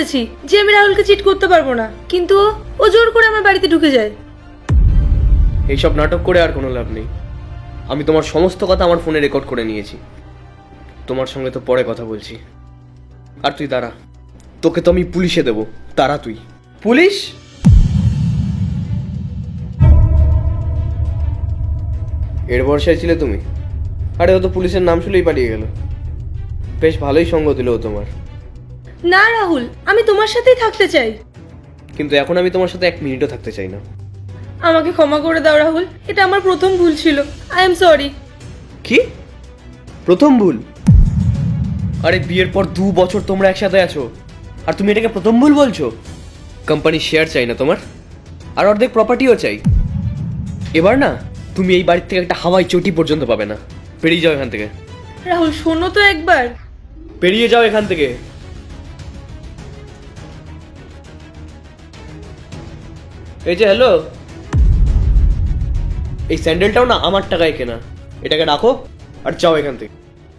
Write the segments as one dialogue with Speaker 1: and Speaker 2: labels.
Speaker 1: বলেছি যে আমি রাহুলকে চিট করতে পারবো না, কিন্তু ও জোর করে আমার বাড়িতে ঢুকে যায়।
Speaker 2: এইসব নাটক করে আর কোনো লাভ নেই। আমি তোমার সমস্ত কথা আমার ফোনে রেকর্ড করে নিয়েছি। তোমার সঙ্গে তো পরে কথা বলছি। আর তুই দাঁড়া, তোকে তো আমি পুলিশে দেবো। দাঁড়া তুই। পুলিশ? এর ভরসায় ছিলে তুমি? আরে ও তো পুলিশের নাম শুনেই পালিয়ে গেল। বেশ ভালোই সঙ্গ দিল ও তোমার।
Speaker 1: না রাহুল, আমি তোমার সাথেই থাকতে চাই।
Speaker 2: কিন্তু এখন আমি তোমার সাথে 1 মিনিটও থাকতে চাই না।
Speaker 1: আমাকে ক্ষমা করে দাও রাহুল, এটা আমার প্রথম ভুল ছিল। I am sorry.
Speaker 2: কি প্রথম ভুল? আরে বিয়ের পর 2 বছর তোমরা একসাথে আছো, আর তুমি এটাকে প্রথম ভুল বলছো? কোম্পানির শেয়ার চাই না তোমার? আর অর্ধেক প্রপার্টিও চাই। এবার না, তুমি এই বাড়ির থেকে একটা হাওয়াই চটি পর্যন্ত পাবে না। বেরিয়ে যাও এখান থেকে।
Speaker 1: রাহুল শোনো তো একবার।
Speaker 2: বেরিয়ে যাও এখান থেকে। এই যে হ্যালো, এই স্যান্ডেলটাও না আমার টাকায় কেনা। এটাকে রাখো আর যাও এখান থেকে।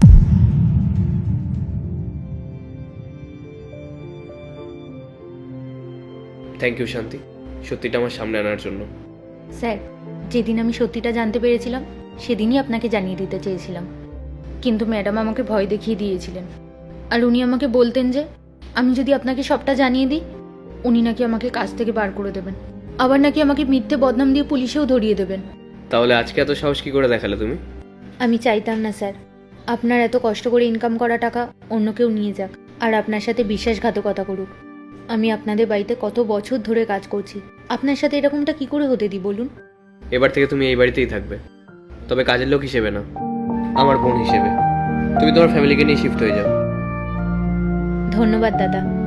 Speaker 2: থ্যাংক ইউ শান্তি, সত্যিটা আমার সামনে আনার জন্য।
Speaker 3: স্যার, যেদিন আমি সত্যিটা জানতে পেরেছিলাম সেদিনই আপনাকে জানিয়ে দিতে চেয়েছিলাম, কিন্তু ম্যাডাম আমাকে ভয় দেখিয়ে দিয়েছিলেন। আর উনি আমাকে বলতেন যে আমি যদি আপনাকে সবটা জানিয়ে দিই, উনি নাকি আমাকে কাজ থেকে বার করে দেবেন, আবার নাকি আমাকে মিথ্যে বদনাম দিয়ে পুলিশেও ধরিয়ে দেবেন।
Speaker 2: তাহলে আজকে এত সাহস কি করে দেখালে তুমি?
Speaker 3: আমি চাইতাম না স্যার আপনার এত কষ্ট করে ইনকাম করা টাকা অন্য কেউ নিয়ে যাক আর আপনার সাথে বিশ্বাসঘাতকতা করুক। আমি আপনাদের বাড়িতে কত বছর ধরে কাজ করছি, আপনার সাথে এরকমটা কি করে হতে দিই বলুন?
Speaker 2: এবার থেকে তুমি এই বাড়িতেই থাকবে, তবে কাজের লোক হিসেবে না, আমার বোন হিসেবে। তুমি তোমার ফ্যামিলিকে নিয়ে শিফট হয়ে যাও।
Speaker 3: ধন্যবাদ দাদা।